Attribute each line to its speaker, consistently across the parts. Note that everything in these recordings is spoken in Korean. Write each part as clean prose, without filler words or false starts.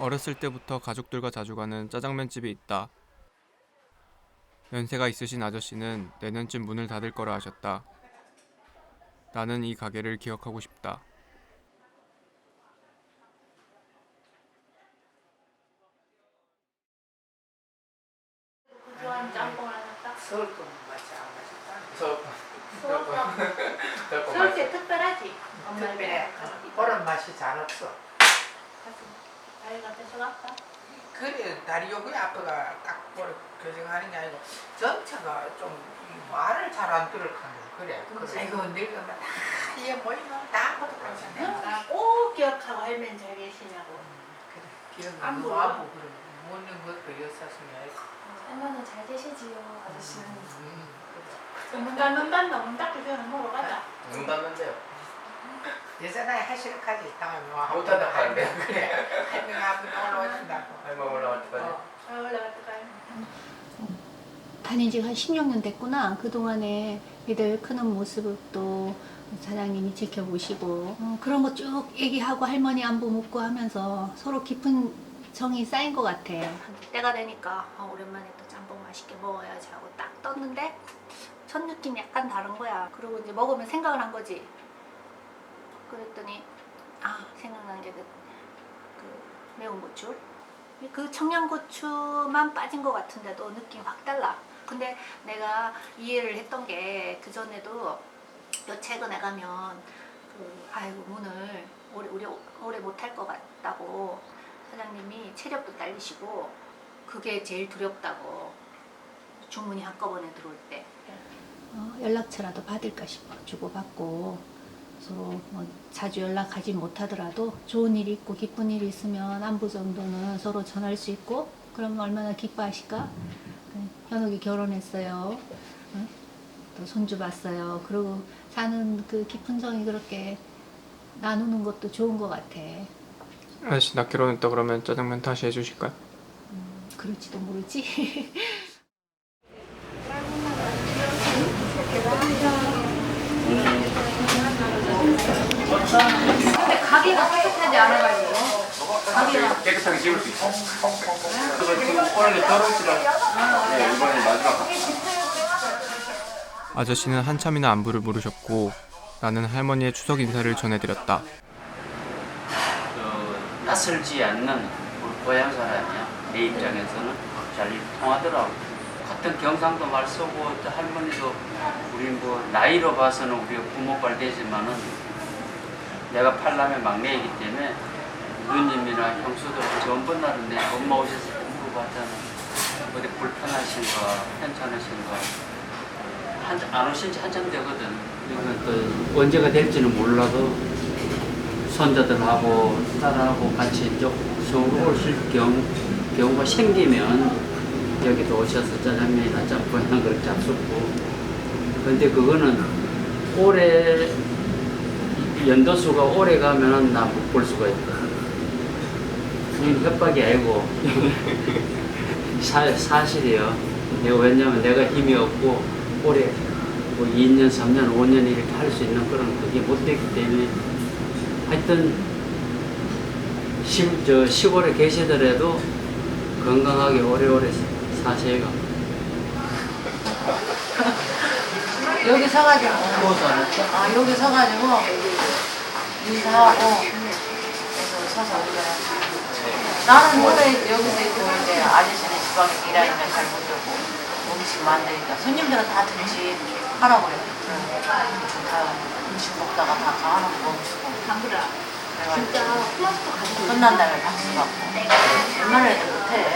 Speaker 1: 어렸을 때부터 가족들과 자주 가는 짜장면집이 있다. 연세가 있으신 아저씨는 내년쯤 문을 닫을 거라 하셨다. 나는 이 가게를 기억하고 싶다.
Speaker 2: 좋아하는 짬뽕 하나 딱.
Speaker 3: 서울 거 맛이 안 맛있다.
Speaker 2: 서울 때 특별하지.
Speaker 3: 특별해. 그런 맛이 잘 없어.
Speaker 2: 아이가 뺏어갔다.
Speaker 3: 그래 다리 여기 앞에가 딱 뭘 교정하는 게 아니고 전체가 좀 말을 잘 안 들을 거야. 그래. 아이고 늙으면 다 이게 뭐이면 다 고독하잖아.
Speaker 2: 꼭 기억하고 할머니 잘 계시냐고.
Speaker 3: 그래. 기억이
Speaker 2: 안
Speaker 3: 너무
Speaker 2: 보여?
Speaker 3: 아프고 그래. 먹는 것도 여사슴이 아니고.
Speaker 4: 할머니 잘 계시지요, 아저씨는.
Speaker 3: 그래.
Speaker 2: 눈 닫는단다. 문 닫기 전에 먹으러 가자.
Speaker 5: 눈 닫는데요.
Speaker 3: 예전에 하실까지 다음에 와.
Speaker 5: 못하다 가는데.
Speaker 3: 그래. 할머니 앞에 올라오신다고.
Speaker 5: 할머니 올라갈 때까지.
Speaker 2: 올라갈 때까지.
Speaker 4: 다닌 지가 한 16년 됐구나. 그동안에 애들 크는 모습도 사장님이 지켜보시고 그런 거 쭉 얘기하고 할머니 안부 묻고 하면서 서로 깊은 정이 쌓인 것 같아. 때가 되니까 오랜만에 또 짬뽕 맛있게 먹어야지 하고 딱 떴는데 첫 느낌이 약간 다른 거야. 그리고 이제 먹으면 생각을 한 거지. 그랬더니 생각난 게 그 매운 고추. 그 청양고추만 빠진 것 같은데도 느낌이 확 달라. 근데 내가 이해를 했던 게 그전에도 요 최근에 가면 아이고 문을 오래 못할 것 같다고 사장님이 체력도 딸리시고 그게 제일 두렵다고 주문이 한꺼번에 들어올 때 연락처라도 받을까 싶어 주고받고 서로 뭐 자주 연락하지 못하더라도 좋은 일이 있고 기쁜 일이 있으면 안부 정도는 서로 전할 수 있고 그러면 얼마나 기뻐하실까? 현욱이 결혼했어요. 또 손주 봤어요. 그리고 사는 그 깊은 정이 그렇게 나누는 것도 좋은 것 같아.
Speaker 1: 아저씨 나 결혼했다 그러면 짜장면 다시 해주실까요?
Speaker 4: 그럴지도 모르지.
Speaker 2: 근데 가게가 깨끗하지 않아가지고. 가게가.
Speaker 5: 깨끗하게 지울 수 있어. 그래서 지금 오늘 결혼식이랑 이번에 마지막.
Speaker 1: 아저씨는 한참이나 안부를 물으셨고 나는 할머니의 추석 인사를 전해드렸다.
Speaker 6: 낯설지 않는 우리 고향 사람이야. 내 입장에서는 잘 통하더라고. 같은 경상도 말 쓰고 또 할머니도 우리 뭐 나이로 봐서는 우리가 부모빨 되지만은 내가 팔남의 막내이기 때문에 누님이나 형수들 전번 날은 내 엄마 오셨을 때 물어봤잖아. 어디 불편하신가 괜찮으신가. 안 오신 지 한참 되거든. 그러니까 또 언제가 될지는 몰라도 손자들하고 딸하고 같이 이제 서울 오실 경우가 생기면 여기도 오셔서 짜장면이나 짬뽕이나 그렇게 잡수고. 근데 그거는 올해 연도수가 오래 가면은 나 못 볼 수가 있다. 그건 협박이 아니고 사실이에요. 왜냐면 내가 힘이 없고 올해 뭐 2년, 3년, 5년 이렇게 할 수 있는 그런 그게 못 되기 때문에 하여튼 시골에 계시더라도 건강하게 오래오래 사세요.
Speaker 7: 여기 서가지고 여기 서가지고 인사하고 그래서 서서 올라요. 나는 원래 여기서 있고 이제 아저씨는 지방에 일하니까 잘 못 듣고 음식 만드니까 손님들은 다 듣지 하라고 그래. 다 음식 먹다가 다 가하는 거 멈추고
Speaker 2: 담그라.
Speaker 7: 진짜 끝난 다음에 박수 받고 얼마나 해도 못해.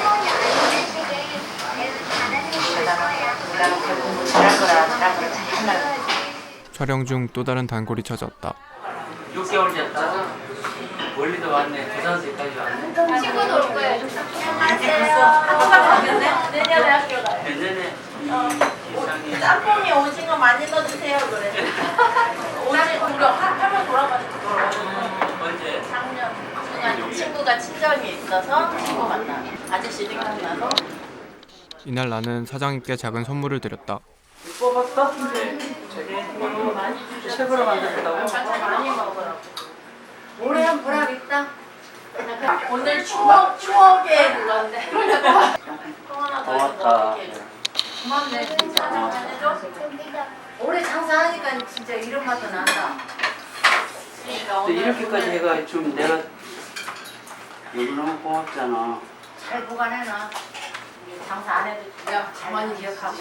Speaker 7: 나는 공부 잘할 거라 잘할
Speaker 1: 촬영 중 또 다른 단골이 찾아왔다.
Speaker 6: 6개월 됐다. 멀리도 왔네. 부산까지 왔네.
Speaker 2: 친구도 올 거예요. 안녕하세요. 학교 가겠네? 내년에 학교 가요.
Speaker 6: 내년에 이상이
Speaker 2: 짬뽕에 오징어 많이 넣어주세요 그래. 오징어 우리 한번 돌아가지고
Speaker 6: 언제?
Speaker 2: 작년 중간 친구가 친정이 있어서 친구 만나. 아저씨 생각나서.
Speaker 1: 이날 나는 사장님께 작은 선물을 드렸다.
Speaker 6: 뽑았어? 네.
Speaker 2: 너무 많이 주셨어.
Speaker 6: 책으로 만들었다고?
Speaker 2: 많이 먹으라고.
Speaker 7: 올해 한 보람 있다.
Speaker 2: 오늘 추억의 그건데. 또 하나 더 있으면
Speaker 6: 고맙다.
Speaker 2: 어떻게 해줘?
Speaker 7: 고맙네 진짜. 올해 장사하니까 진짜 이런 맛도 난다.
Speaker 2: 그러니까
Speaker 6: 또
Speaker 2: 오늘
Speaker 6: 이렇게까지 해가 좀 내가 너무너무 고맙잖아.
Speaker 7: 잘 보관해놔. 장사 안 해도
Speaker 2: 야,
Speaker 7: 잘 기억하고.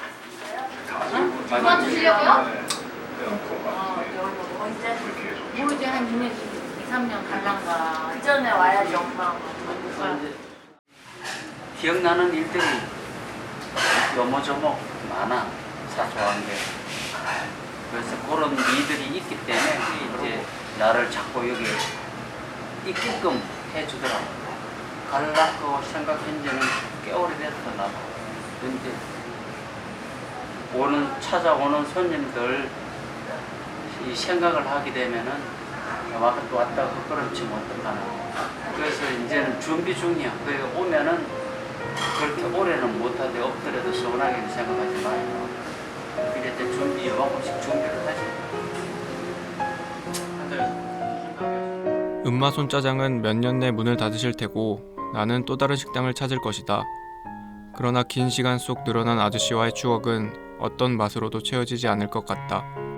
Speaker 2: 그만 주시려고요?
Speaker 7: 모르지 한 2년, 2, 3년 갈란가.
Speaker 2: 그 전에 와야지 엄마.
Speaker 6: 이제 기억나는 일들이 요모조모 많아, 사소한 게. 그래서 그런 일들이 있기 때문에 이제 나를 자꾸 여기 있게끔 해주더라고. 갈라고 생각한 지는 꽤 오래됐어, 나도. 근데 찾아오는 손님들 이 생각을 하게 되면은 왔다가 헛걸음치면 어떡하나. 그래서 이제는 준비 중이야. 그래 오면은 그렇게 오래는 못하되 엎드려도 서운하게 생각하지 말고 이럴 때 준비 요만큼씩 준비를 하지.
Speaker 1: 은마손 짜장은 몇 년 내 문을 닫으실 테고 나는 또 다른 식당을 찾을 것이다. 그러나 긴 시간 속 늘어난 아저씨와의 추억은 어떤 맛으로도 채워지지 않을 것 같다.